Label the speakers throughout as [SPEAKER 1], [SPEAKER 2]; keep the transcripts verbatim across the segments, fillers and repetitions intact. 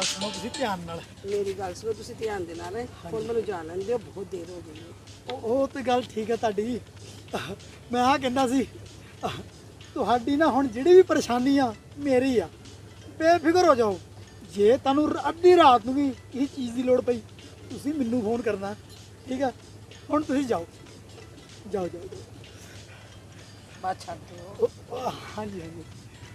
[SPEAKER 1] ਗੱਲ ਸੁਣੋ ਤੁਸੀਂ ਧਿਆਨ ਨਾਲ।
[SPEAKER 2] ਮੇਰੀ ਗੱਲ ਸੁਣੋ ਤੁਸੀਂ ਧਿਆਨ ਦੇ ਨਾਲ ਹੁਣ ਮੈਨੂੰ ਜਾਣ ਲੈਣ ਦਿਓ, ਬਹੁਤ ਦੇਰ ਹੋ ਗਈ ਹੈ।
[SPEAKER 1] ਉਹ ਉਹ ਤੇ ਗੱਲ ਠੀਕ ਹੈ ਤੁਹਾਡੀ। ਮੈਂ ਆ ਕਹਿੰਦਾ ਸੀ ਤੁਹਾਡੀ ਨਾ ਹੁਣ ਜਿਹੜੀ ਵੀ ਪਰੇਸ਼ਾਨੀ ਆ ਮੇਰੀ ਆ, ਬੇਫਿਕਰ ਹੋ ਜਾਓ। ਜੇ ਤੁਹਾਨੂੰ ਅੱਧੀ ਰਾਤ ਨੂੰ ਵੀ ਕਿਸੇ ਚੀਜ਼ ਦੀ ਲੋੜ ਪਈ ਤੁਸੀਂ ਮੈਨੂੰ ਫੋਨ ਕਰਨਾ, ਠੀਕ ਆ। ਹੁਣ ਤੁਸੀਂ ਜਾਓ ਜਾਓ ਜਾਓ ਜਾਓ।
[SPEAKER 2] ਬਾਤ ਛੱਡ ਦਿਓ।
[SPEAKER 1] ਉਹ, ਹਾਂਜੀ ਹਾਂਜੀ।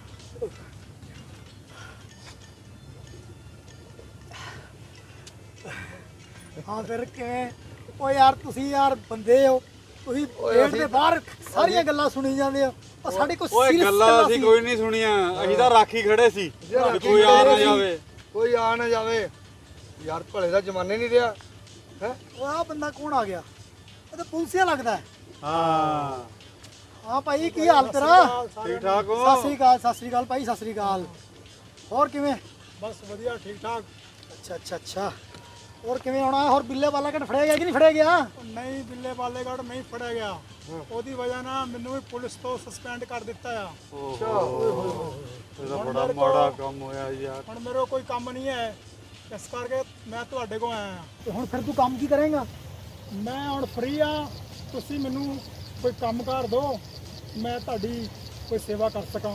[SPEAKER 1] ਹਾਂ ਫਿਰ ਕਿਵੇਂ? ਉਹ ਯਾਰ ਤੁਸੀਂ ਯਾਰ ਬੰਦੇ ਹੋ, ਤੁਸੀਂ ਗੇਟ ਦੇ ਬਾਹਰ ਸਾਰੀਆਂ ਗੱਲਾਂ ਸੁਣੀ ਜਾਂਦੇ ਹੋ। ਉਹ ਸਾਡੇ ਕੋਲ
[SPEAKER 3] ਓਏ
[SPEAKER 1] serious
[SPEAKER 3] ਗੱਲਾਂ ਅਸੀਂ
[SPEAKER 1] ਸੀ।
[SPEAKER 3] ਕੋਈ ਨਹੀਂ ਸੁਣੀਆਂ, ਅਸੀਂ ਤਾਂ ਰਾਖੀ ਖੜੇ ਸੀ ਵੀ ਕੋਈ ਆ ਨਾ ਜਾਵੇ।
[SPEAKER 4] ਕੋਈ ਆ ਨਾ ਜਾਵੇ ਯਾਰ, ਭਲੇ ਦਾ ਜ਼ਮਾਨੇ ਨਹੀਂ ਰਿਹਾ ਹੈ।
[SPEAKER 1] ਉਹ ਆਹ ਬੰਦਾ ਕੌਣ ਆ ਗਿਆ? ਇਹ ਤਾਂ ਪੁਲਿਸਿਆ ਲੱਗਦਾ ਹੈ।
[SPEAKER 3] ਹਾਂ
[SPEAKER 1] ਹਾਂ ਭਾਈ ਕੀ ਹਾਲ ਤੇਰਾ?
[SPEAKER 3] ਠੀਕ ਠਾਕ
[SPEAKER 1] ਸਤਿ
[SPEAKER 3] ਹੋ?
[SPEAKER 1] ਸ੍ਰੀ ਅਕਾਲ ਸਤਿ ਸ੍ਰੀ ਅਕਾਲ ਭਾਈ, ਸਤਿ ਸ੍ਰੀ ਅਕਾਲ। ਹੋਰ ਕਿਵੇਂ?
[SPEAKER 4] ਬਸ ਵਧੀਆ ਠੀਕ ਠਾਕ।
[SPEAKER 1] ਅੱਛਾ ਅੱਛਾ ਅੱਛਾ। ਹੋਰ ਕਿਵੇਂ ਆਉਣਾ? ਹੋਰ ਬਿੱਲੇ ਵਾਲਾ ਘਟ ਫੜਿਆ ਗਿਆ ਕਿ ਨਹੀਂ ਫੜਿਆ ਗਿਆ?
[SPEAKER 4] ਨਹੀਂ ਬਿੱਲੇ ਵਾਲੇਗੜ ਨਹੀਂ ਫੜਿਆ ਗਿਆ, ਉਹਦੀ ਵਜ੍ਹਾ ਨਾਲ ਮੈਨੂੰ ਵੀ ਪੁਲਿਸ ਤੋਂ ਸਸਪੈਂਡ ਕਰ ਦਿੱਤਾ ਆ।
[SPEAKER 3] ਇਹਦਾ ਬੜਾ ਮਾੜਾ ਕੰਮ ਹੋਇਆ ਯਾਰ।
[SPEAKER 4] ਹੁਣ ਮੇਰੇ ਕੋਲ ਕੋਈ ਕੰਮ ਨਹੀਂ ਹੈ, ਇਸ ਕਰਕੇ ਮੈਂ ਤੁਹਾਡੇ ਕੋਲ ਆਇਆ ਹਾਂ।
[SPEAKER 1] ਤੇ ਹੁਣ ਫਿਰ ਤੂੰ ਕੰਮ ਕੀ ਕਰੇਂਗਾ?
[SPEAKER 4] ਮੈਂ ਹੁਣ ਫ੍ਰੀ ਆ, ਤੁਸੀਂ ਮੈਨੂੰ ਕੋਈ ਕੰਮ ਕਰ ਦਿਓ, ਮੈਂ ਤੁਹਾਡੀ ਕੋਈ ਸੇਵਾ ਕਰ ਸਕਾਂ।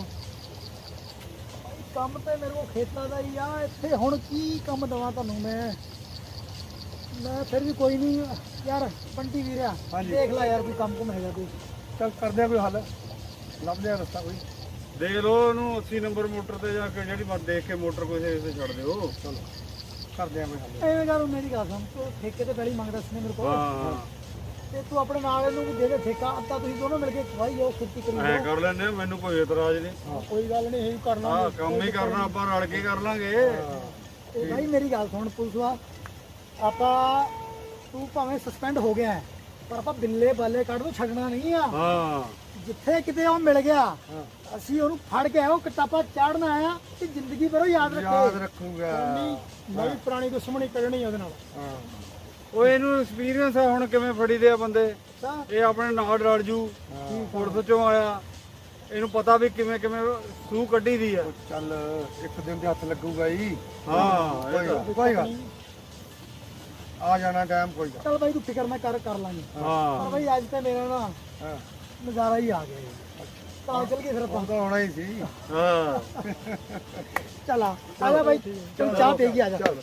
[SPEAKER 1] ਕੰਮ ਤੇ ਮੇਰੇ ਕੋਲ ਖੇਤਾਂ ਦਾ ਹੀ ਆ, ਇੱਥੇ ਹੁਣ ਕੀ ਕੰਮ ਦਵਾਂ ਤੁਹਾਨੂੰ ਮੈਂ? ਮੈਂ ਫਿਰ ਵੀ ਕੋਈ ਨਹੀਂ ਯਾਰ, ਬੰਟੀ ਵੀਰਿਆ ਦੇਖ ਲੈ ਯਾਰ ਕੋਈ ਕੰਮ ਕੁਮ ਹੈਗਾ ਕੋਈ।
[SPEAKER 4] ਚੱਲ ਕਰਦੇ ਆ ਕੋਈ ਹੱਲ, ਲੱਭਦੇ ਆ ਰਸਤਾ ਕੋਈ।
[SPEAKER 3] ਦੇਖ ਲਓ ਉਹਨੂੰ ਅੱਸੀ ਨੰਬਰ ਮੋਟਰ ਤੇ ਜਾ ਕੇ ਜਿਹੜੀ ਮਰ ਦੇਖ ਕੇ ਮੋਟਰ ਕੋਈ ਸੇ ਛੱਡ ਦਿਓ।
[SPEAKER 4] ਚਲੋ ਕਰਦੇ ਆ ਕੋਈ ਹੱਲ।
[SPEAKER 1] ਐਵੇਂ ਕਰ, ਮੇਰੀ ਗੱਲ ਸੁਣ, ਤੂੰ ਠੇਕੇ ਤੇ ਪਹਿਲੀ ਮੰਗਦਾ ਸੀ ਮੇਰੇ ਕੋਲ,
[SPEAKER 3] ਹਾਂ
[SPEAKER 1] ਤੇ ਤੂੰ ਆਪਣੇ ਨਾਲ ਇਹਨੂੰ ਵੀ ਦੇ ਦੇ ਠੇਕਾ, ਅੱਧਾ ਤੁਸੀਂ ਦੋਨੋਂ ਮਿਲ ਕੇ ਖਵਾਈ ਜਾਓ, ਖੇਤੀ ਕਰੀ
[SPEAKER 3] ਐ
[SPEAKER 1] ਜਾਓ।
[SPEAKER 3] ਕਰ ਲੈਂਦੇ ਆ, ਮੈਨੂੰ ਕੋਈ ਇਤਰਾਜ਼ ਨਹੀਂ।
[SPEAKER 4] ਕੋਈ ਗੱਲ ਨਹੀਂ, ਇਹੀ ਕਰ
[SPEAKER 3] ਹਾਂ ਕੰਮ ਹੀ ਕਰਨਾ, ਆਪਾਂ ਰਲ ਕੇ ਕਰ ਲਾਂਗੇ।
[SPEAKER 1] ਤੇ ਭਾਈ ਮੇਰੀ ਗੱਲ ਸੁਣ ਪੁਲਿਸਵਾ, ਆਪਾਂ ਤੂੰ ਭਾਵੇਂ ਸਸਪੈਂਡ ਹੋ ਗਿਆ ਹੈ, ਪਰ ਆਪਾਂ ਬਿੱਲੇ ਬਾਲੇ ਕੱਢ ਤੋਂ ਛੱਡਣਾ ਨਹੀਂ ਆ।
[SPEAKER 3] ਹਾਂ
[SPEAKER 1] ਜਿੱਥੇ ਕਿਤੇ ਉਹ ਮਿਲ ਗਿਆ ਅਸੀਂ ਉਹਨੂੰ ਫੜ ਕੇ ਆਓ, ਕਿਤਾਬਾ ਚਾੜਨਾ ਆਇਆ ਤੇ ਜ਼ਿੰਦਗੀ ਭਰ ਉਹ ਯਾਦ
[SPEAKER 4] ਯਾਦ
[SPEAKER 1] ਰੱਖੇ।
[SPEAKER 4] ਰੱਖੂਗਾ।
[SPEAKER 1] ਮੈਂ ਵੀ ਪੁਰਾਣੀ ਦੁਸ਼ਮਣੀ ਕੱਢਣੀ ਉਹਦੇ ਨਾਲ।
[SPEAKER 4] ਹਾਂ
[SPEAKER 3] ਓਏ ਇਹਨੂੰ ਐਕਸਪੀਰੀਅੰਸ ਆ ਹੁਣ ਕਿਵੇਂ ਫੜੀ ਦੇ ਆ ਬੰਦੇ।
[SPEAKER 1] ਅੱਛਾ
[SPEAKER 3] ਇਹ ਆਪਣੇ ਨਾਲ ਰਲ ਜੂ, ਪੁਲਿਸ ਚੋਂ ਆਇਆ, ਇਹਨੂੰ ਪਤਾ ਵੀ ਕਿਵੇਂ ਕਿਵੇਂ ਸੂਹ ਕੱਢੀ ਦੀ ਆ।
[SPEAKER 4] ਚੱਲ ਇੱਕ ਦਿਨ ਦੇ ਹੱਥ ਲੱਗੂਗਾ ਹੀ।
[SPEAKER 3] ਹਾਂ ਇਹ ਤਾਂ-
[SPEAKER 4] ਕੋਈ ਕੋਈ ਗੱਲ ਆ ਜਾਣਾ ਟਾਈਮ, ਕੋਈ ਗੱਲ।
[SPEAKER 1] ਚੱਲ ਭਾਈ ਤੂੰ ਫਿਕਰ ਨਾ ਕਰ, ਕਰ ਲਾਂਗੇ। ਪਰ
[SPEAKER 3] ਹਾਂ
[SPEAKER 1] ਭਾਈ ਅੱਜ ਤੇ ਮੇਰਾ ਨਾ
[SPEAKER 4] ਹਾਂ
[SPEAKER 1] ਨਜ਼ਾਰਾ ਹੀ ਆ ਗਿਆ ਯਾਰ। ਤਾਂ ਚੱਲ ਗਏ ਫਿਰ ਆਪਾਂ।
[SPEAKER 4] ਉਹ ਤਾਂ ਹੋਣਾ ਹੀ ਸੀ।
[SPEAKER 3] ਹਾਂ
[SPEAKER 1] ਚੱਲ ਆ ਆ ਜਾ ਭਾਈ, ਚੱਲ ਚਾਹ ਪੀ ਕੇ ਆ ਜਾ।
[SPEAKER 4] ਚੱਲ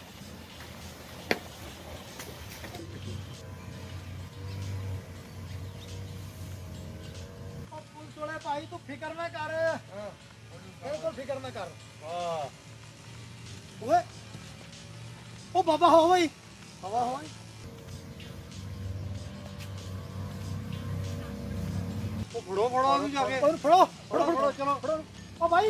[SPEAKER 1] ਪੁਲਿਸ ਵਾਲੇ ਭਾਈ ਤੂੰ ਫਿਕਰ ਨਾ ਕਰ, ਬਿਲਕੁਲ ਫਿਕਰ ਨਾ ਕਰ।
[SPEAKER 3] ਹਾਂ
[SPEAKER 1] ਓਏ ਉਹ ਬਾਬਾ ਹੋ ਬਈ, ਹਵਾ ਹੋ ਬਈ।
[SPEAKER 3] ਉਹ ਫੜੋ ਫੜੋ ਉਹਨੂੰ ਜਾ ਕੇ।
[SPEAKER 1] ਉਹਨੂੰ ਫੜੋ ਫੜੋ ਫੜੋ, ਚਲੋ ਫੜੋ। ਓ ਭਾਈ,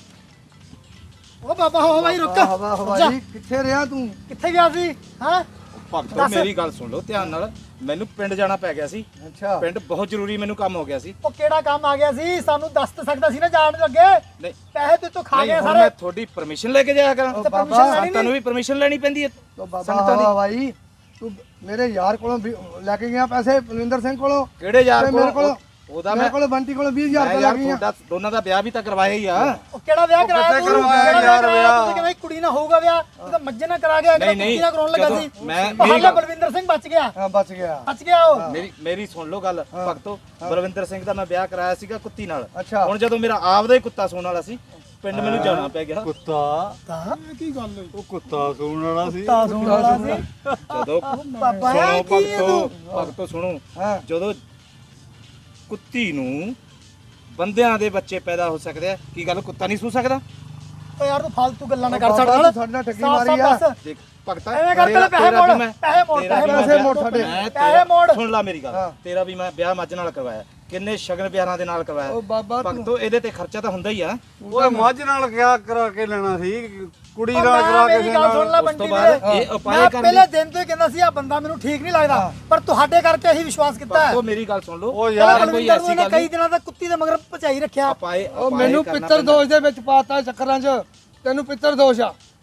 [SPEAKER 1] ਉਹ ਬਾਬਾ ਹੋ ਭਾਈ, ਰੁਕ।
[SPEAKER 4] ਹਵਾ ਹਵਾਈ ਕਿੱਥੇ ਰਿਹਾ ਤੂੰ?
[SPEAKER 1] ਕਿੱਥੇ ਗਿਆ ਸੀ? ਹਾਂ
[SPEAKER 5] ਭਗਤੋ
[SPEAKER 1] ਦੱਸ।
[SPEAKER 5] ਮੇਰੀ ਗੱਲ ਸੁਣ ਲਓ ਧਿਆਨ ਨਾਲ, ਮੈਨੂੰ ਪਿੰਡ ਜਾਣਾ ਪੈ ਗਿਆ ਸੀ।
[SPEAKER 4] ਅੱਛਾ
[SPEAKER 5] ਪਿੰਡ ਬਹੁਤ ਜ਼ਰੂਰੀ ਮੈਨੂੰ ਕੰਮ ਹੋ ਗਿਆ ਸੀ।
[SPEAKER 1] ਉਹ ਕਿਹੜਾ ਕੰਮ ਆ ਗਿਆ ਸੀ? ਸਾਨੂੰ ਦੱਸ ਤਾਂ ਸਕਦਾ ਸੀ ਨਾ ਜਾਣ ਤੋਂ ਅੱਗੇ।
[SPEAKER 5] ਨਹੀਂ
[SPEAKER 1] ਪੈਸੇ ਤੇ ਤੂੰ ਖਾ
[SPEAKER 5] ਨਹੀਂ,
[SPEAKER 1] ਗਿਆ
[SPEAKER 5] ਹੁਣ
[SPEAKER 1] ਸਾਰੇ।
[SPEAKER 5] ਮੈਂ ਤੁਹਾਡੀ ਪਰਮਿਸ਼ਨ ਲੈ ਕੇ ਜਾਇਆ ਕਰਾਂ।
[SPEAKER 4] ਉਹ
[SPEAKER 1] ਤੇ
[SPEAKER 4] ਬਾਬਾ,
[SPEAKER 1] permission ਲੈਣੀ
[SPEAKER 5] ਸੰਤਾਂ ਨੂੰ
[SPEAKER 1] ਨਹੀਂ।
[SPEAKER 5] ਵੀ ਪਰਮਿਸ਼ਨ ਲੈਣੀ ਪੈਂਦੀ ਹੈ
[SPEAKER 4] ਤੋ ਬਾਬਾ
[SPEAKER 5] ਸੰਗਤਾਂ ਦੀ।
[SPEAKER 4] ਹਵਾ ਹਵਾਈ ਤੂੰ ਮੇਰੇ ਯਾਰ ਕੋਲੋਂ ਵੀ ਲੈ ਕੇ ਗਿਆ ਪੈਸੇ, ਬਲਵਿੰਦਰ ਸਿੰਘ ਕੋਲੋਂ।
[SPEAKER 5] ਕਿਹੜੇ ਯਾਰ
[SPEAKER 4] ਤੇ ਮੇਰੇ
[SPEAKER 5] ਕੋਲ?
[SPEAKER 4] ਕੋਲ
[SPEAKER 5] ਉਹਦਾ
[SPEAKER 4] ਮੇਰੇ
[SPEAKER 5] ਮੈਂ
[SPEAKER 4] ਕੋਲ ਬੰਟੀ ਕੋਲੋਂ ਵੀਹ ਹਜ਼ਾਰ
[SPEAKER 5] ਮੈਂ
[SPEAKER 4] ਰੁਪਏ
[SPEAKER 5] ਯਾਰ
[SPEAKER 4] ਲੱਗ ਗਿਆ।
[SPEAKER 5] ਤੁਹਾਡਾ ਦੋਨਾਂ ਦਾ ਵਿਆਹ ਵੀ ਤਾਂ ਕਰਵਾਇਆ ਹੀ ਆ।
[SPEAKER 1] ਉਹ ਕਿਹੜਾ ਵਿਆਹ ਕਰਾਇਆ
[SPEAKER 3] ਕਿੱਥੇ
[SPEAKER 1] ਤੂੰ?
[SPEAKER 3] ਕਰਵਾਇਆ
[SPEAKER 1] ਕਿਹੜਾ
[SPEAKER 3] ਯਾਰ
[SPEAKER 1] ਕਰਾਇਆ?
[SPEAKER 3] ਵਿਆਹ?
[SPEAKER 1] ਤੂੰ ਕਹਿੰਦਾ ਕੁੜੀ ਨਾਲ ਹੋਊਗਾ ਵਿਆਹ, ਤੂੰ ਤਾਂ ਮੱਝੇ ਨਾਲ ਕਰਾ ਗਿਆ,
[SPEAKER 5] ਨਹੀਂ, ਨਹੀਂ,
[SPEAKER 1] ਕੁੜੀ ਨਾਲ ਕਰਾਉਣ ਲੱਗਾ
[SPEAKER 5] ਜਦੋਂ
[SPEAKER 1] ਸੀ।
[SPEAKER 5] ਮੈਂ-
[SPEAKER 1] ਉਹ
[SPEAKER 5] ਮੇਰੀ
[SPEAKER 1] ਹਾਲੇ
[SPEAKER 5] ਗੱਲ-
[SPEAKER 1] ਬਲਵਿੰਦਰ ਸਿੰਘ ਬਚ ਗਿਆ,
[SPEAKER 4] ਹਾਂ ਬਚ ਗਿਆ।
[SPEAKER 1] ਬਚ ਗਿਆ ਉਹ।
[SPEAKER 5] ਮੇਰੀ ਮੇਰੀ ਸੁਣ ਲਓ ਗੱਲ ਭਗਤੋ, ਬਲਵਿੰਦਰ ਸਿੰਘ ਦਾ ਮੈਂ ਵਿਆਹ ਕਰਾਇਆ ਸੀਗਾ ਕੁੱਤੀ ਨਾਲ।
[SPEAKER 4] ਅੱਛਾ
[SPEAKER 5] ਹੁਣ ਜਦੋਂ ਮੇਰਾ ਆਪਦਾ ਹੀ ਕੁੱਤਾ ਸੂਣ ਵਾਲਾ ਸੀ, ਪਿੰਡ ਮੈਨੂੰ ਜਾਣਾ ਪੈ ਗਿਆ।
[SPEAKER 3] ਕੁੱਤਾ
[SPEAKER 1] ਤਾਂ
[SPEAKER 4] ਕੀ ਗੱਲ ਹੋਈ?
[SPEAKER 3] ਉਹ ਕੁੱਤਾ ਸੂਣ ਵਾਲਾ ਸੀ।
[SPEAKER 1] ਤਾਂ ਸੁਣ ਵਾਲਾ ਸੀ।
[SPEAKER 5] ਜਦੋਂ
[SPEAKER 1] ਬਾਬਾ
[SPEAKER 5] ਸੁਣੋ
[SPEAKER 1] ਹੈ ਕੀ ਹੈ
[SPEAKER 5] ਭਗਤੋ,
[SPEAKER 1] ਤੂੰ?
[SPEAKER 5] ਭਗਤੋ ਸੁਣੋ,
[SPEAKER 4] ਹਾਂ
[SPEAKER 5] ਜਦੋਂ ਕੁੱਤੀ ਨੂੰ ਬੰਦਿਆਂ ਦੇ ਬੱਚੇ ਪੈਦਾ ਹੋ ਸਕਦੇ ਆ, ਕੀ ਗੱਲ ਕੁੱਤਾ ਨਹੀਂ ਸੂ ਸਕਦਾ?
[SPEAKER 1] ਓ ਯਾਰ ਤੂੰ ਫालतू ਗੱਲਾਂ ਨਾ ਕਰ
[SPEAKER 4] ਬਾਬਾ,
[SPEAKER 1] ਸਾਡੇ ਨਾਲ।
[SPEAKER 4] ਤੂੰ ਸਾਡੇ ਨਾਲ ਠੱਗੀ
[SPEAKER 1] ਸਾਫ਼-ਸਾਫ਼
[SPEAKER 4] ਮਾਰੀ ਆ।
[SPEAKER 1] ਦੱਸ।
[SPEAKER 5] ਦੇਖ ਭਗਤਾ,
[SPEAKER 1] ਐਵੇਂ ਕਰ,
[SPEAKER 5] ਤੇਰਾ-
[SPEAKER 1] ਪੈਸੇ
[SPEAKER 5] ਤੇਰਾ
[SPEAKER 1] ਮੋੜ,
[SPEAKER 5] ਵੀ ਮੈਂ-
[SPEAKER 1] ਪੈਸੇ ਮੋੜ,
[SPEAKER 5] ਤੇਰਾ ਵੀ
[SPEAKER 4] ਪੈਸੇ
[SPEAKER 5] ਮੈਂ-
[SPEAKER 4] ਮੋੜ ਸਾਡੇ।
[SPEAKER 5] ਮੈਂ
[SPEAKER 1] ਪੈਸੇ
[SPEAKER 5] ਤੇਰਾ-
[SPEAKER 1] ਮੋੜ।
[SPEAKER 5] ਸੁਣ ਲਾ ਮੇਰੀ
[SPEAKER 4] ਹਾਂ।
[SPEAKER 5] ਗੱਲ, ਤੇਰਾ ਵੀ ਮੈਂ ਵਿਆਹ ਮੱਝ ਨਾਲ ਕਰਵਾਇਆ, ਕਿੰਨੇ ਸ਼ਗਨ ਵਿਆਹਾਂ ਦੇ ਨਾਲ
[SPEAKER 4] ਉਹ
[SPEAKER 5] ਕਰਵਾਇਆ।
[SPEAKER 4] ਬਾਬਾ ਤੂੰ
[SPEAKER 5] ਭਗਤੋ ਇਹਦੇ ਤੇ ਖਰਚਾ ਤਾਂ ਹੁੰਦਾ ਹੀ ਆ।
[SPEAKER 3] ਓਏ ਮੱਝ ਨਾਲ ਕਿਆ ਕਰਾ ਕੇ ਲੈਣਾ ਸੀ, ਕੁੜੀ ਨਾਲ
[SPEAKER 1] ਮੈਂ
[SPEAKER 3] ਕਰਾ ਕੇ
[SPEAKER 1] ਮੇਰੀ ਗੱਲ ਸੁਣ ਲੈ
[SPEAKER 5] ਉਸ
[SPEAKER 1] ਬੰਟੀ
[SPEAKER 5] ਤੋਂ ਬਾਅਦ
[SPEAKER 1] ਵੀਰੇ,
[SPEAKER 5] ਇਹ ਉਪਾਏ
[SPEAKER 1] ਮੈਂ
[SPEAKER 5] ਕਰਨ
[SPEAKER 1] ਪਹਿਲੇ ਦਿਨ ਤੋਂ ਹੀ ਕਹਿੰਦਾ ਸੀ ਆ ਬੰਦਾ ਮੈਨੂੰ ਠੀਕ ਨਹੀਂ ਲੱਗਦਾ, ਪਰ ਤੁਹਾਡੇ ਕਰਕੇ ਅਸੀਂ ਵਿਸ਼ਵਾਸ ਕੀਤਾ ਹੈ।
[SPEAKER 5] ਭਗਤੋ ਮੇਰੀ ਗੱਲ ਸੁਣ ਲਓ,
[SPEAKER 3] ਉਹ
[SPEAKER 1] ਯਾਰ
[SPEAKER 3] ਯਾਰ
[SPEAKER 5] ਕੋਈ
[SPEAKER 1] ਬਲਵਿੰਦਰ ਨੂੰ
[SPEAKER 5] ਐਸੀ
[SPEAKER 1] ਇਹਨੇ
[SPEAKER 5] ਗੱਲ
[SPEAKER 1] ਕਈ
[SPEAKER 5] ਨਹੀਂ।
[SPEAKER 1] ਦਿਨਾਂ ਤੱਕ ਕੁੱਤੀ ਦੇ ਮਗਰ ਭਜਾਈ ਰੱਖਿਆ।
[SPEAKER 5] ਉਪਾਏ
[SPEAKER 4] ਉਹ
[SPEAKER 5] ਉਪਾਏ
[SPEAKER 4] ਮੈਨੂੰ
[SPEAKER 5] ਕਰਨਾ
[SPEAKER 4] ਪਿੱਤਰ
[SPEAKER 5] ਪੈਂਦਾ।
[SPEAKER 4] ਦੋਸ਼ ਦੇ ਵਿੱਚ ਪਾਤਾ ਚੱਕਰਾਂ 'ਚ। ਤੈਨੂੰ ਪਿੱਤਰ ਦੋਸ਼ ਆ।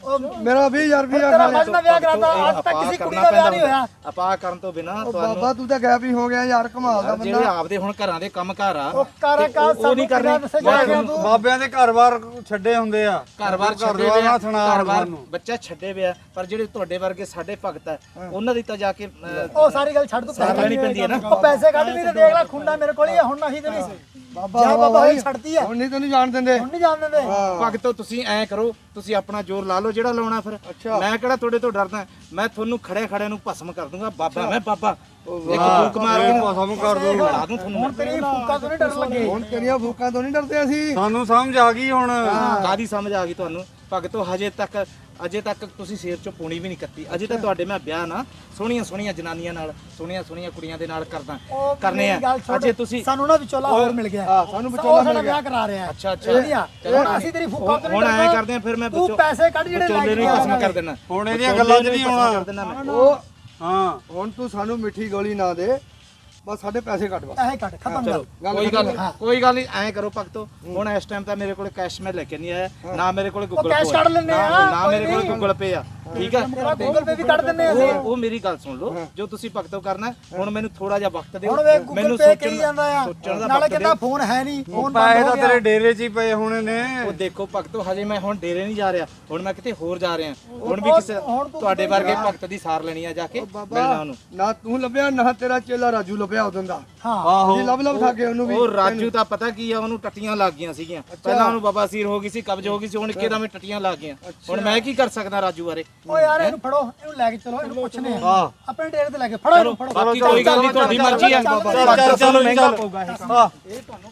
[SPEAKER 6] ਮੇਰਾ ਵੀਹ ਹਜ਼ਾਰ ਰੁਪਇਆ
[SPEAKER 1] ਤੇਰਾ
[SPEAKER 6] ਖਾ ਲਿਆ
[SPEAKER 1] ਮੱਝ ਦਾ ਵਿਆਹ ਕਰਾਤਾ ਅੱਜ ਤੱਕ
[SPEAKER 5] ਆਪਾਂ
[SPEAKER 1] ਕਿਸੇ ਕੁੜੀ
[SPEAKER 5] ਕਰਨਾ
[SPEAKER 1] ਦਾ ਵਿਆਹ
[SPEAKER 5] ਪੈਂਦਾ
[SPEAKER 1] ਨਹੀਂ ਹੋਇਆ
[SPEAKER 5] ਆਪਾਂ ਕਰਨ ਤੋਂ ਬਿਨਾ
[SPEAKER 6] ਉਹ
[SPEAKER 5] ਤੁਹਾਨੂੰ
[SPEAKER 6] ਬਾਬਾ ਤੂੰ ਤਾਂ ਗੈਪ ਹੀ ਹੋ ਗਿਆ ਯਾਰ, ਕਮਾਲ ਦਾ
[SPEAKER 5] ਯਾਰ, ਜਿਹੜੇ
[SPEAKER 6] ਬੰਦਾ।
[SPEAKER 5] ਆਪਦੇ ਹੁਣ ਘਰਾਂ ਦੇ ਕੰਮ ਘਰ ਆ
[SPEAKER 1] ਉਹ ਕਾਰਾ
[SPEAKER 5] ਤੇ
[SPEAKER 1] ਕਾ
[SPEAKER 5] ਉਹ- ਉਹ ਨਹੀਂ ਕਰਨੀ
[SPEAKER 1] ਜਾ ਗਿਆ ਤੂੰ
[SPEAKER 3] ਬਾਬਿਆਂ ਦੇ ਘਰ-ਬਾਰ ਛੱਡੇ ਹੁੰਦੇ ਆ
[SPEAKER 5] ਘਰ-ਬਾਰ ਛੱਡੇ
[SPEAKER 3] ਘਰ-ਬਾਰ
[SPEAKER 5] ਵੇ ਆ
[SPEAKER 3] ਨਾ ਸੁਣਾ
[SPEAKER 5] ਘਰ-ਬਾਰ
[SPEAKER 3] ਸਾਨੂੰ।
[SPEAKER 5] ਬੱਚਾ ਛੱਡੇ ਵੇ ਆ ਪਰ ਜਿਹੜੇ ਤੁਹਾਡੇ ਵਰਗੇ ਸਾਡੇ ਭਗਤ ਆ ਉਹਨਾਂ ਦੀ ਤਾਂ ਜਾ ਕੇ ਅਹ,
[SPEAKER 1] ਉਹ ਸਾਰੀ ਗੱਲ ਛੱਡ ਤੂੰ
[SPEAKER 5] ਸਾਰ ਲੈਣੀ ਪੈਂਦੀ ਹੈ ਨਾ।
[SPEAKER 1] ਉਹ ਪੈਸੇ ਕੱਢ ਵੀ ਤੇ ਦੇਖ ਲੈ ਖੁੰਡਾ ਮੇਰੇ ਕੋਲ ਹੀ ਆ, ਹੁਣ ਨਹੀਂ ਤੇ ਨਹੀਂ
[SPEAKER 6] ਬਾਬਾ
[SPEAKER 1] ਜਾ ਬਾਬਾ
[SPEAKER 6] ਬਾਈ,
[SPEAKER 1] ਹੋਈ ਛੱਡਦੀ ਆ
[SPEAKER 6] ਹੁਣ ਨਹੀਂ ਤੈਨੂੰ ਜਾਣ ਦਿੰਦੇ।
[SPEAKER 1] ਹੁਣ ਨਹੀਂ ਜਾਣ ਦਿੰਦੇ
[SPEAKER 5] ਭਗਤੋ ਤੁਸੀਂ ਐਂ ਕਰੋ, ਤੁਸੀਂ ਆਪਣਾ ਜ਼ੋਰ ਲਾ ਲਓ ਜਿਹੜਾ ਲਾਉਣਾ ਫਿਰ
[SPEAKER 6] ਅੱਛਾ।
[SPEAKER 5] ਮੈਂ ਕਿਹੜਾ ਤੁਹਾਡੇ ਤੋਂ ਡਰਦਾ, ਮੈਂ ਤੁਹਾਨੂੰ ਖੜੇ ਖੜੇ ਨੂੰ ਭਸਮ ਕਰ ਦੂੰਗਾ। ਬਾਬਾ ਮੈਂ ਬਾਬਾ ਇੱਕ ਫੂਕ ਮਾਰ ਕੇ
[SPEAKER 3] ਭਸਮ ਕਰ ਦੂੰ।
[SPEAKER 5] ਲਾ ਦੂੰ ਤੁਹਾਨੂੰ
[SPEAKER 1] ਹੁਣ ਤੇਰੀ ਫੂਕਾ ਤੋਂ ਨਹੀਂ ਡਰ ਲੱਗੇ
[SPEAKER 6] ਹੁਣ ਤੇਰੀਆਂ ਭੂਕਾਂ ਤੋਂ ਨਹੀਂ ਡਰਦੇ ਅਸੀਂ।
[SPEAKER 3] ਸਾਨੂੰ ਸਮਝ ਆ ਗਈ ਹੁਣ।
[SPEAKER 5] ਕਾਦੀ ਸਮਝ ਆ ਗਈ ਤੁਹਾਨੂੰ ਭਗਤੋ? ਹਜੇ ਤੱਕ ਅਜੇ ਤੱਕ ਤੁਸੀਂ ਸਿਰ ਚੋਂ ਪੂਣੀ ਵੀ ਨਹੀਂ ਕੱਤੀ। ਅਜੇ ਤਾਂ ਤੁਹਾਡੇ ਮੈਂ ਵਿਆਹ ਨਾ ਸੋਹਣੀਆਂ ਸੋਹਣੀਆਂ ਜਨਾਨੀਆਂ ਨਾਲ, ਸੋਹਣੀਆਂ ਸੋਹਣੀਆਂ ਕੁੜੀਆਂ ਦੇ ਨਾਲ ਕਰਦਾ
[SPEAKER 1] ਉਹ
[SPEAKER 5] ਕਰਨੇ
[SPEAKER 1] ਮੇਰੀ ਗੱਲ
[SPEAKER 5] ਆ।
[SPEAKER 1] ਛੱਡ,
[SPEAKER 5] ਅਜੇ ਤੁਸੀਂ
[SPEAKER 1] ਸਾਨੂੰ ਨਾ ਵਿਚੋਲਾ ਹੋਰ ਮਿਲ ਗਿਆ
[SPEAKER 6] ਹਾਂ, ਸਾਨੂੰ
[SPEAKER 1] ਉਹ
[SPEAKER 6] ਵਿਚੋਲਾ
[SPEAKER 1] ਸਾਡਾ
[SPEAKER 6] ਮਿਲ ਗਿਆ।
[SPEAKER 1] ਵਿਆਹ ਕਰਾ ਰਿਹਾ ਹੈ
[SPEAKER 5] ਅੱਛਾ ਅੱਛਾ
[SPEAKER 1] ਵਧੀਆ ਹੁਣ ਅਸੀਂ ਤੇਰੀ ਫੂਕਾ ਤੋਂ ਨਹੀਂ
[SPEAKER 5] ਹੁਣ ਐਂ
[SPEAKER 1] ਡਰਦੇ।
[SPEAKER 5] ਕਰਦੇ ਆ ਫਿਰ ਮੈਂ
[SPEAKER 1] ਤੂੰ ਪੈਸੇ ਕੱਢ ਜਿਹੜੇ
[SPEAKER 5] ਵਿਚੋਲੇ ਨੂੰ ਹੀ
[SPEAKER 1] ਲੱਗ
[SPEAKER 5] ਭਸਮ
[SPEAKER 1] ਗਏ
[SPEAKER 5] ਕਰ ਦੇਣਾ।
[SPEAKER 3] ਹੁਣ ਇਹਦੀਆਂ
[SPEAKER 5] ਵਿਚੋਲੇ
[SPEAKER 3] ਗੱਲਾਂ 'ਚ
[SPEAKER 5] ਨੂੰ ਹੀ
[SPEAKER 3] ਨਹੀਂ
[SPEAKER 5] ਭਸਮ
[SPEAKER 3] ਆਉਣਾ।
[SPEAKER 5] ਕਰ ਦੇਣਾ ਮੈਂ।
[SPEAKER 6] ਉਹ
[SPEAKER 3] ਹਾਂ
[SPEAKER 6] ਹੁਣ ਤੂੰ ਸਾਨੂੰ ਮਿੱਠੀ ਗੋਲੀ ਨਾ ਦੇ, ਬਸ ਸਾਡੇ ਪੈਸੇ ਕੱਢ ਬਸ।
[SPEAKER 1] ਪੈਸੇ ਕੱਢ ਖਤਮ
[SPEAKER 5] ਚਲੋ
[SPEAKER 1] ਕਰ
[SPEAKER 5] ਕੋਈ ਗੱਲ ਕੋਈ ਗੱਲ ਨਹੀਂ, ਐਂ ਕਰੋ ਭਗਤੋ ਹੁਣ ਇਸ ਟਾਈਮ ਤਾਂ ਮੇਰੇ ਕੋਲ ਕੈਸ਼ ਮੈਂ ਲੈ ਕੇ ਨਹੀਂ ਆਇਆ, ਨਾ ਮੇਰੇ ਕੋਲ ਗੂਗਲ
[SPEAKER 1] ਕੈਸ਼ ਕੱਢ ਲੈਂਦੇ ਆ,
[SPEAKER 5] ਨਾ
[SPEAKER 1] ਕੋਈ
[SPEAKER 5] ਮੇਰੇ ਕੋਲ
[SPEAKER 1] ਨਹੀਂ।
[SPEAKER 5] ਗੂਗਲ ਪੇ ਆ, ਠੀਕ ਹੈ।
[SPEAKER 1] ਤੇਰਾ ਗੂਗਲ ਪੇ ਵੀ ਕੱਢ ਦਿੰਨੇ ਆ ਅਸੀਂ
[SPEAKER 5] ਉਹ ਉਹ ਮੇਰੀ ਗੱਲ ਸੁਣ ਲਓ, ਜੋ ਤੁਸੀਂ ਭਗਤੋ ਕਰਨਾ ਹੁਣ ਮੈਨੂੰ ਥੋੜਾ ਜਿਹਾ ਵਕਤ ਦਿਓ।
[SPEAKER 1] ਹੁਣ ਵੇ ਗੂਗਲ ਪੇ ਕਹੀ ਜਾਂਦਾ ਆ
[SPEAKER 5] ਸੋਚਣ ਦਾ
[SPEAKER 1] ਨਾਲੇ
[SPEAKER 5] ਵਕਤ
[SPEAKER 1] ਕਹਿੰਦਾ
[SPEAKER 5] ਦਿਓ।
[SPEAKER 1] ਫੋਨ ਹੈ ਨਹੀਂ ਫੋਨ
[SPEAKER 3] ਪੈਸੇ
[SPEAKER 1] ਬੰਦ ਹੋ
[SPEAKER 3] ਤਾਂ ਤੇਰੇ
[SPEAKER 1] ਗਿਆ
[SPEAKER 3] ਡੇਰੇ 'ਚ ਹੀ ਪਏ ਹੋਣੇ ਨੇ।
[SPEAKER 5] ਉਹ ਦੇਖੋ ਭਗਤੋ ਹਜੇ ਮੈਂ ਹੁਣ ਡੇਰੇ ਨਹੀਂ ਜਾ ਰਿਹਾ, ਹੁਣ ਮੈਂ ਕਿਤੇ ਹੋਰ ਜਾ ਰਿਹਾ। ਹੁਣ ਵੀ
[SPEAKER 1] ਉਹ-
[SPEAKER 5] ਕਿਸੇ
[SPEAKER 1] ਹੁਣ ਤੂੰ
[SPEAKER 5] ਤੁਹਾਡੇ
[SPEAKER 1] ਕਿਤੇ
[SPEAKER 5] ਵਰਗੇ
[SPEAKER 1] ਜਾ।
[SPEAKER 5] ਭਗਤ ਦੀ ਸਾਰ ਲੈਣੀ ਆ ਜਾ ਕੇ ਮਿਲਣਾ
[SPEAKER 6] ਬਾਬਾ
[SPEAKER 5] ਉਹਨੂੰ।
[SPEAKER 6] ਨਾ ਤੂੰ ਲੱਭਿਆ ਨਾ ਤੇਰਾ ਚੇਲਾ ਰਾਜੂ ਲੱਭਿਆ ਉਦੋਂ ਦਾ।
[SPEAKER 1] ਹਾਂ
[SPEAKER 3] ਆਹੋ
[SPEAKER 6] ਅਸੀਂ ਲੱਭ ਲੱਭ ਥਾਕੇ ਉਹਨੂੰ ਵੀ।
[SPEAKER 5] ਉਹ ਰਾਜੂ ਤਾਂ ਪਤਾ ਕੀ ਆ, ਉਹਨੂੰ ਟੱਟੀਆਂ ਲੱਗ ਗਈਆਂ ਸੀਗੀਆਂ ਪਹਿਲਾਂ, ਉਹਨੂੰ ਬਾਬਾ ਸੀਰ ਹੋ ਗਈ ਸੀ, ਕਬਜ਼ ਹੋ ਗਈ ਸੀ, ਹੁਣ ਇੱਕਦਮ ਵਿੱਚ ਟੱਟੀਆਂ ਲੱਗ ਗਈਆਂ। ਹੁਣ ਮੈਂ ਕੀ ਕਰ ਸਕਦਾ ਰਾਜੂ ਬਾਰੇ?
[SPEAKER 1] ਓ ਯਾਰ ਇਹਨੂੰ ਫੜੋ ਇਹਨੂੰ ਲੈ ਕੇ ਚਲੋ ਇਹਨੂੰ ਪੁੱਛਨੇ ਆ
[SPEAKER 3] ਹਾਂ
[SPEAKER 1] ਆਪਣੇ ਡੇਰੇ ਤੇ ਲੈ ਕੇ ਫੜੋ ਇਹਨੂੰ ਫੜੋ
[SPEAKER 5] ਬਾਕੀ ਕੋਈ ਗੱਲ ਨਹੀਂ, ਤੁਹਾਡੀ ਮਰਜ਼ੀ ਆ।
[SPEAKER 3] ਚੱਲ, ਚੱਲ,
[SPEAKER 5] ਭਗਤ
[SPEAKER 3] ਚੱਲ,
[SPEAKER 5] ਤੁਹਾਨੂੰ ਮਹਿੰਗਾ
[SPEAKER 3] ਚੱਲ।
[SPEAKER 5] ਪਊਗਾ ਇਹ ਕੰਮ।
[SPEAKER 3] ਹਾਂ
[SPEAKER 5] ਇਹ ਤੁਹਾਨੂੰ